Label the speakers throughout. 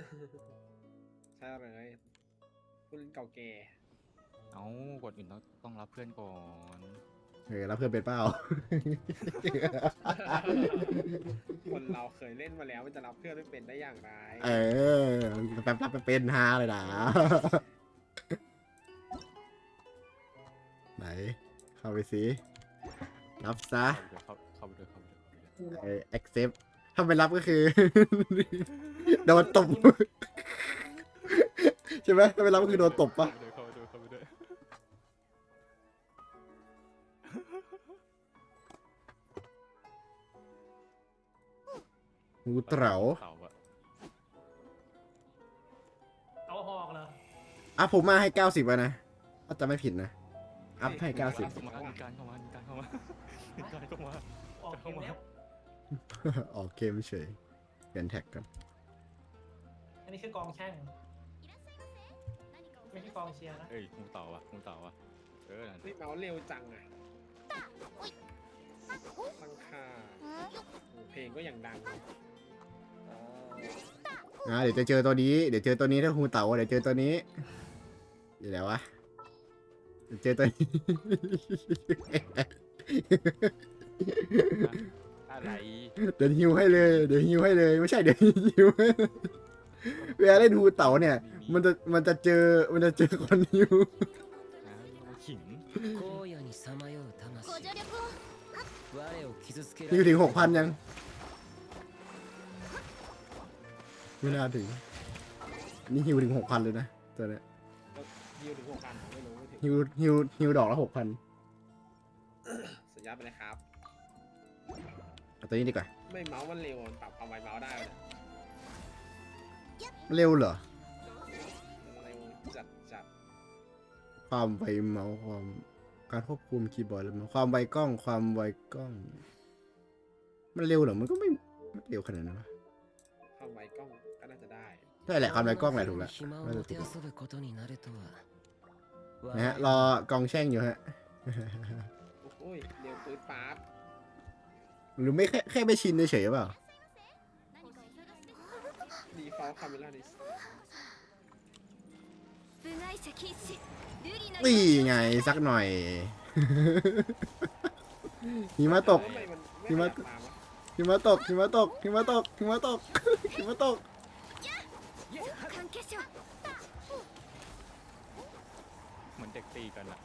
Speaker 1: ใช่เลยคุณเก่าแก่
Speaker 2: เอากดอื่นต้องรับเพื่อนก่อน
Speaker 3: รับเพื่อนเป็นเป้า
Speaker 1: คนเราเคยเล่นมาแล้วมันจะรับเพื่อนไม่เป็นได้อย่างไร
Speaker 3: แป๊บรับไปเป็นฮาเลยนะไหนเข้าไปสิรับซะ
Speaker 2: เข้าไปด้วย
Speaker 3: accept ถ้าไม่รับก็คือ โดนตบ ใช่ไหมถ้าไม่รับก็คือโดนตบปะ
Speaker 2: เข้าไปด้วย
Speaker 3: งูเต๋า
Speaker 4: เอาหอกเหรอ
Speaker 3: อ่ะผมมาให้90แล้วนะถ้าจะไม่ผิดนะอัพให้90
Speaker 2: มีการเข้ามา
Speaker 4: ออกเกมแล้ว
Speaker 3: ออกเกมเฉยเปลี่ยนแท็กกัน
Speaker 4: อันนี้คือกองแช่งไม่ใช่กองเชียร์นะ
Speaker 2: เอ้ยงูเต่าว่ะนั่น
Speaker 1: นี่เมาส์เร็วจังอ่ะตั้งค่าเพลงก็อย่างดัง
Speaker 3: เดี๋ยวจะเจอตัวนี้ถ้างูเต๋าเดี๋ยวเจอตัวนี้อยู่แล้ววะเดี๋ยวเจอตัวนี้
Speaker 2: อะไร
Speaker 3: เดี๋ยวฮิวให้เลยไม่ใช่เดี๋ยวฮิวเวลาเล่นงูเต๋าเนี่ยมันจะเจอคนฮิว
Speaker 2: ขิง
Speaker 3: ฮิวถึง 6,000 ยังไม่น่าถึงนี่ฮิวถึง 6,000เลยนะตัวเนี้ย
Speaker 1: ยิวถึง6,000ผมไม่รู้ไม่ถึง
Speaker 3: ฮิวดอกละ 6,000
Speaker 1: สัญญาไปเลยครับ
Speaker 3: เอาตัวนี้ดีกว่า
Speaker 1: ไม่เมาส์มันเร็วมันปรับความไวเมาส์ได้เลย
Speaker 3: เร็วเหรอ
Speaker 1: เร็วจัด
Speaker 3: ความไวเมาส์การควบคุมคีย์บอร์ดแล้วความไวกล้องมันเร็วเหรอมันก็ไม่เร็วขนาดนั้นวะ
Speaker 1: ความไวกล้องก็น่าจะได้
Speaker 3: ใช่แหละความไวกล้องแหละถูกแล้วน่าจะถูกนะฮะรอกองแช่งอยู่ฮะ
Speaker 1: โอ้ยเร็วปื๊ดป๊าบ
Speaker 3: หรือไม่แค่ไม่ชินเฉยๆเปล่า
Speaker 1: ดีฟอลต์คาเมล่าดิส
Speaker 3: นี่ไงสักหน่อย หิมะตก หิมะ หิมะตก
Speaker 2: เหมือนเด็กตีกันอะ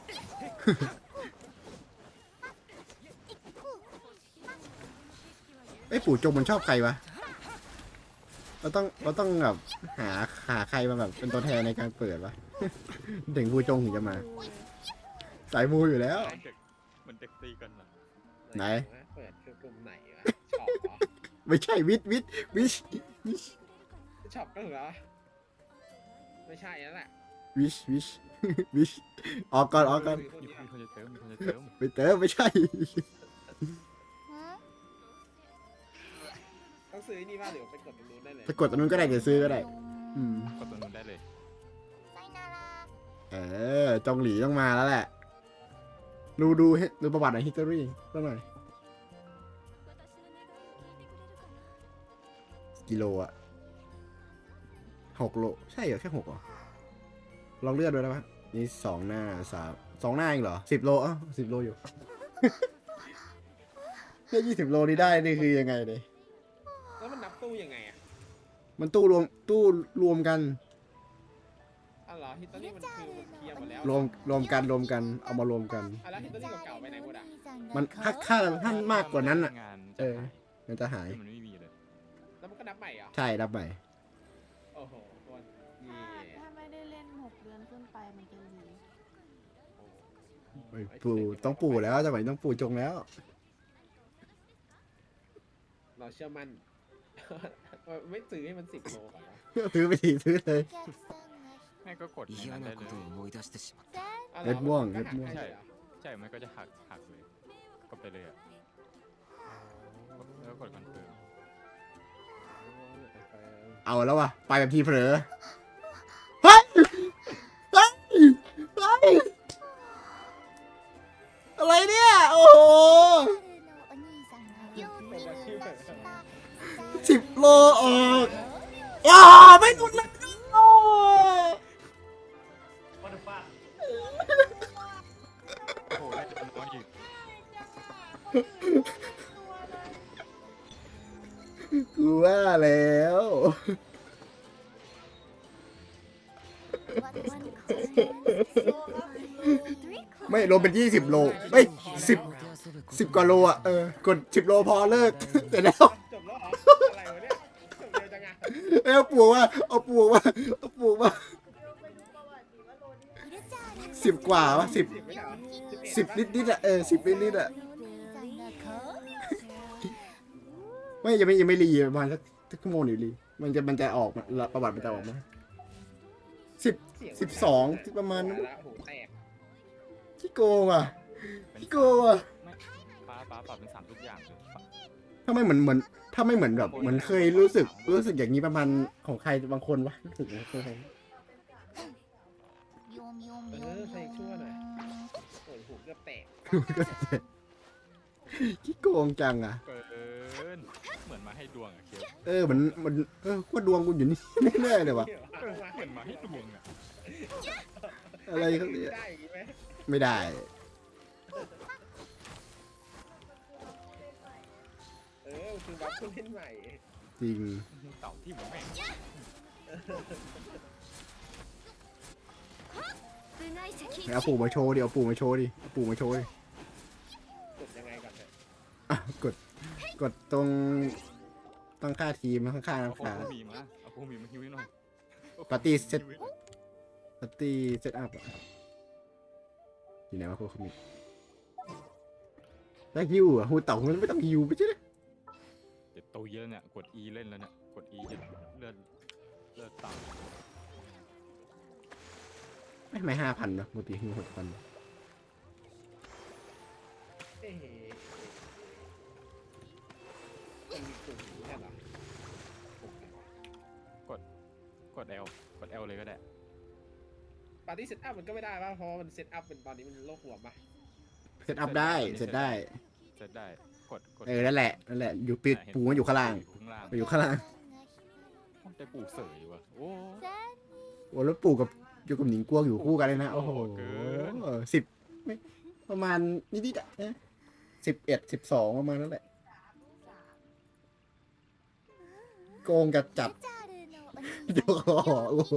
Speaker 3: ไอ้ปู่จงมันชอบใครวะ เราต้องแบบหาใครมาแบบเป็นตัวแทนในการเปิดวะ ถึงปู่จงถึงจะมา สายมูอยู่แล้ว
Speaker 2: เหมือนเด็กตีกันอะ
Speaker 3: ไหน
Speaker 1: เปิดคือกลุ่มไหนวะช็อปเหรอ
Speaker 3: ไม่ใช่วิช
Speaker 1: ช็อปก็เหรอไม่ใช่นั่นแหละ
Speaker 3: วิชออกก่อน
Speaker 2: มีคนจะเติม
Speaker 3: ไปเติมไม่ใช่
Speaker 1: ต้องซื้อนี่บ้างหรือไปกดตรงนู้นได้เลย
Speaker 3: ไปกดตรงนู้นก็ได้เดี๋ยวซื้อก็ได้
Speaker 2: กดตัวนู้นได้เลย
Speaker 3: จงหลีต้องมาแล้วแหละ ดูประวัติหน่อยฮิสตอรี่สักหน่อยกิโลอะ6 โลใช่เหรอแค่6เหรอลองเลือดดูได้ปะนี่2 หน้า2 หน้าเองเหรอ10 โล10 โลอยู่ แค่20 โลนี่ได้นี่คือยังไงเลย
Speaker 1: แล้วมันนับตู้ยังไงอ่ะ
Speaker 3: มันตู้รวมกัน
Speaker 1: อ๋อเหรอฮิตเตอรี่มันคือมันเคลียร์หมดแล้ว
Speaker 3: รวมกันเอามารวมกัน
Speaker 1: แล้วฮิตเตอรี่เก่าๆไปไหนหมดอ่ะ
Speaker 3: มันถ้ามากกว่านั้นอ่ะ
Speaker 2: งาน
Speaker 3: มันจะหาย
Speaker 2: มันไม่มีเลย
Speaker 1: แล้วมันก็นับใหม่เหรอ
Speaker 3: ใช่รับใหม่
Speaker 1: โอ้โหคนนี่
Speaker 5: ถ้าไม่ได้เล่น6 เดือนขึ้นไปมันจะหลี
Speaker 3: ปู่ต้องปู่แล้วจังหวะนี้ต้องปู่จงแล้ว
Speaker 1: เราเชื่อมั่น ไม่ซื้อให้มัน10 โลก่อนวะ
Speaker 3: ซื้อไปทีซื้อเลย
Speaker 2: แม่ก็กดในนั้นได้เลย
Speaker 1: อ๋อหรอ
Speaker 3: เม็ดม่วง
Speaker 1: นก็หัก
Speaker 3: เม็ดม่วง
Speaker 1: ให้เลยเหรอ
Speaker 2: ใช่มันก็จะหักเลยกดไปเลยอะแล้วกดคอนเฟิร์ม
Speaker 3: เอาแล้ววะไปแบบทีเผลอเฮ้ยอะไรเนี่ยโอ้โห10 โลออกไม่ไม่หลุดเลยโอ้
Speaker 4: วัตถุฟาด
Speaker 2: โอ้โหได้จะน้อยอีก
Speaker 3: กูว่าแล้ว ไม่โลเป็น20 โลไม่10 กว่าโลอ่ะกด10 โลพอเลิก เสร็จแล้ว
Speaker 1: จบแล้วเหรออะไรวะเนี่ยจบเร็วจังอะ
Speaker 3: เอาปลูกว่า10 กว่าวะ10
Speaker 1: 10ไม่ใช่เหรอ
Speaker 3: 10 นิดๆอ่ะ10 นิดๆอ่ะไม่ยังไม่รีประมาณสักชั่วโมงหรือรีมันจะออกมาประวัติมันจะออกมา12ประมาณนั้น
Speaker 1: ละโหแตก
Speaker 3: ขี้โกงอ่ะขี้โกงอ่ะ
Speaker 2: ไม่ป้าปรับเป็น3ทุกอย่างเลย
Speaker 3: ถ้าไม่เหมือนถ้าไม่เหมือนแบบเหมือนเคยรู้สึกอย่างนี้ประมาณของใครบางคนวะรู้สึกนะเคย
Speaker 1: ใครชั่วหน่อยโอ้ยหูเกือบแตก
Speaker 3: ขี้โกงจังอ่ะ
Speaker 2: เกินเหมือนมาให้ดวงอะเคียว
Speaker 3: มันว่าดวงกูอยู่นี่ แน่ๆเลยวะ
Speaker 2: เหมือนมาให้ดวงอะ
Speaker 3: อะไรเขาเนี่ย
Speaker 1: ได้อย่างงี้ไหม
Speaker 3: ไม่ได้
Speaker 1: คือบัฟผู้เล่นใหม่
Speaker 3: จริง
Speaker 2: เต่าที่มันแม่ง
Speaker 3: เอาปู่มาโชว์ดิเอาปู่มาโชว์ดิเอาปู่มาโชว์ดิ
Speaker 1: กดยังไงก่อนเถอะ
Speaker 3: อ่ะกดตรงตั้งค่าทีมข้างๆ
Speaker 2: เอา
Speaker 3: น้ำ
Speaker 2: พว
Speaker 3: ขาก
Speaker 2: มีมาเอาพวกมีมาฮิวให้หน่อย
Speaker 3: ปาร์ตี้เซ็ต ปาร์ตี้เซตอัพอ่ะอยู่ไหนวะพวกเขามีแล้วฮิวอ่ะฮูเต่ามันไม่ต้องฮิวไม่ใช่เหรอ
Speaker 2: เดี๋ยวโตเยอะเนี่ยกด E เล่นแล้วเนี่ยกด E จะเลือดต่ำ
Speaker 3: ไม่5,000นะปกติฮิว6,000
Speaker 1: เอ๊ะมันมีกลุ่มนี้แค่เหรอก
Speaker 2: ด L กด L เลยก็ได้
Speaker 1: ปาร์ตี้เซตอัพมันก็ไม่ได้ป่ะเพราะมันเซตอัพเป็นตอนนี้มันโลกหัวป่ะ
Speaker 3: เซตอัพได้เซตได้
Speaker 2: เซตได้กด
Speaker 3: นั่นแหละอยู่ปิดปูมันอยู่ข้างล่าง
Speaker 2: ข้างล่าง
Speaker 3: มันอยู่ข้างล่าง
Speaker 2: ได้ปู่เสยว่ะโอ้
Speaker 3: โอ้แล้วปู่กับอยู่กับหนิงกวงอยู่คู่กันเลยนะโอ้โห
Speaker 2: เกิน
Speaker 3: 10ไม่ประมาณนิดๆอ่ะ11 12ประมาณนั้นแหละโกงจัดโอ้โห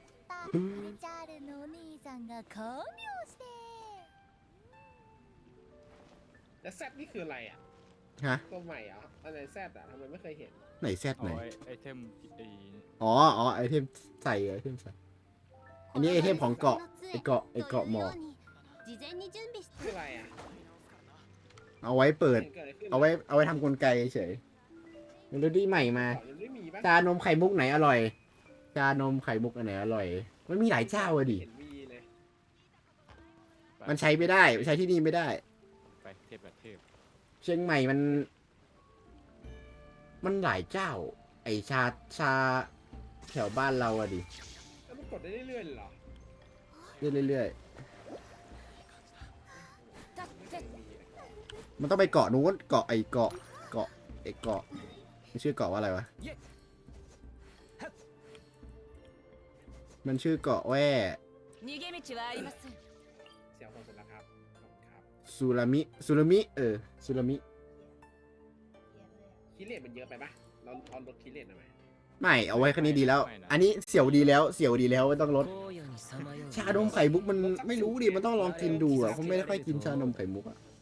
Speaker 1: แล้วแซดนี่คืออะไรอ่ะ
Speaker 3: ฮะ
Speaker 1: ตัวใหม่เหรอ่ะอะไรแซดอ่ะทำไมไม่เคยเห็น
Speaker 3: ไหนแซด
Speaker 2: เอา
Speaker 3: ไหน
Speaker 2: ไอเทมไอ
Speaker 3: อ๋อไอเทมใส่ไอเทมใส่อันนี้ไอเทมของเกาะไอเกาะหมอก
Speaker 1: คืออะไรอ่ะ
Speaker 3: เอาไว้เปิด
Speaker 1: เกิดอะไรขึ้น
Speaker 3: เอาไว้ทำกลไกเฉยเมโลดี้ใหม่มา
Speaker 1: ก่อนมันไม่มีป่ะ
Speaker 3: ชานมไข่มุกไหนอร่อย ชานมไข่มุกอันไหนอร่อย มันมีหลายเจ้าอะดิ
Speaker 1: เห็นมีเลย
Speaker 3: มันใช้ไม่ได้ใช้ที่นี่ไม่ได้
Speaker 2: ไปเทพแบบเทพ
Speaker 3: เชียงใหม่มันหลายเจ้า ไอชาแถวบ้านเราอะดิ
Speaker 1: แล้วมันกดได้เรื่อยๆเลยเหรอ
Speaker 3: เรื่อย
Speaker 1: ไม่เคยมีเลย
Speaker 3: ๆมันต้องไปเกาะนู้นเกาะมันชื่อเกาะว่าอะไรวะ มันชื่อเกาะแว่
Speaker 1: เสียงคนเสร็จแล้วครับขอบคุณครับ
Speaker 3: ซูรามิซูรามิ
Speaker 1: คิเลตมันเยอะไปปะเราเอาลดคิเลตหน่อยไหม
Speaker 3: ไม่เอาไว้แค่นี้ดีแล้ว อันนี้เสียวดีแล้วไม่ต้องลด ชานมไข่มุกมันไม่รู้ดิมันต้องลองกินดูอ่ะผมไม่ได้ค่อยกินชานมไข่มุกอ่ะ